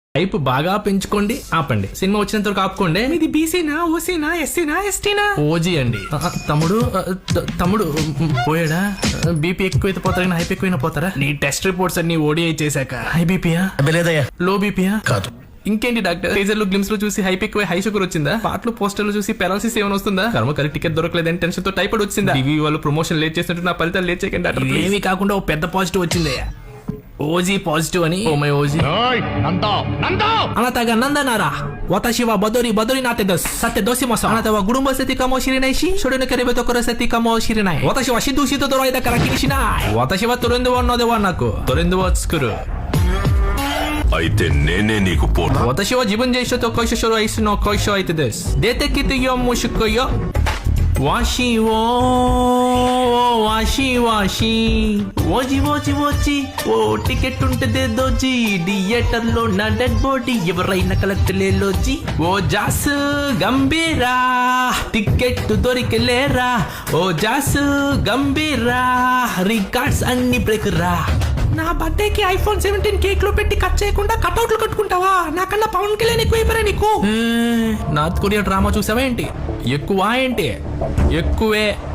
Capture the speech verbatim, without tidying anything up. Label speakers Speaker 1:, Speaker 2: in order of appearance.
Speaker 1: Hype బాగా పెంచుకోండి, ఆపండి. సినిమా వచ్చినంత వరకు ఆపుకోండి.
Speaker 2: ఇది బీసీనా, ఓసీనా, ఎస్సీనా, ఎస్టీనా?
Speaker 1: ఓజీ అండి. ఆ, తమ్ముడు ఆ, త- తమ్ముడు మ్, పోయాడా? బీపీ ఎక్కువైతే పోతారా కానీ హైప్ ఎక్కువైనా పోతారా?
Speaker 2: నీ టెస్ట్ రిపోర్ట్స్ అన్ని ఓడిఐ చేశాక
Speaker 1: హై బీపీయా,
Speaker 3: లేదయ్యా,
Speaker 1: లో బీపీయా?
Speaker 3: కాదు.
Speaker 1: ఇంకేంటి డాక్టర్, టీజర్ లో గ్లిమ్స్ లో చూసి హైప్ ఎక్కువ హై షుగర్ వచ్చిందా? పాటలు పోస్టర్లు చూసి పెరాలసిస్ ఏమైనా వస్తుందా? కర్మ కరెక్ట్ టికెట్ దొరకలేదని టెన్షన్ తో టైఫాయిడ్ వచ్చిందా? టీవీ వాళ్ళు ప్రమోషన్ లేట్ చేసినట్టు నా ఫలితాలు లేట్ చేయకండి డాక్టర్. please.
Speaker 2: ఇవేమి కాకుండా ఓ పెద్ద పాజిటివ్ వచ్చిందయ్యా, ఓజీ పాజిటివ్ అని.
Speaker 1: Oh my OG.
Speaker 2: あなたが何だなら私はバドリバドリなってです。さてどうしましょう。あなたはグルンバセティかもしれないし、それのければところセティかもしれない。私はシドシドドライだから気にしない。
Speaker 1: 私はトレンドワンのではなくトレンドを作る。
Speaker 4: అయితే నేనే నీకు పోటీ.
Speaker 1: 私は自分で人と恋しろいすの恋し相手です。出てきてよもしくよ。わしをわしわしわじわじわじఓ టికెట్ ఉంటదే దోజీ థియేటర్ లో నా డెడ్ బాడీ ఎవరైనా కలెక్ట్ లేలోజీ ఓ జాస్ గంభీరా టికెట్ దొరికలేరా ఓ జాస్ గంభీరా రికార్డ్స్ అన్ని బ్రేక్ రా.
Speaker 2: నా బర్త్డేకి ఐఫోన్ సెవెంటీన్ కేక్ లో పెట్టి కట్ చేయకుండా కట్అవుట్లు కట్టుకుంటావా? నాకన్నా పవన్ కళ్యాణ్ ఎక్కువైపోయారా నీకు?
Speaker 1: నార్త్ కొరియా డ్రామా చూసావా ఏంటి? ఎక్కువ ఏంటి? ఎక్కువే.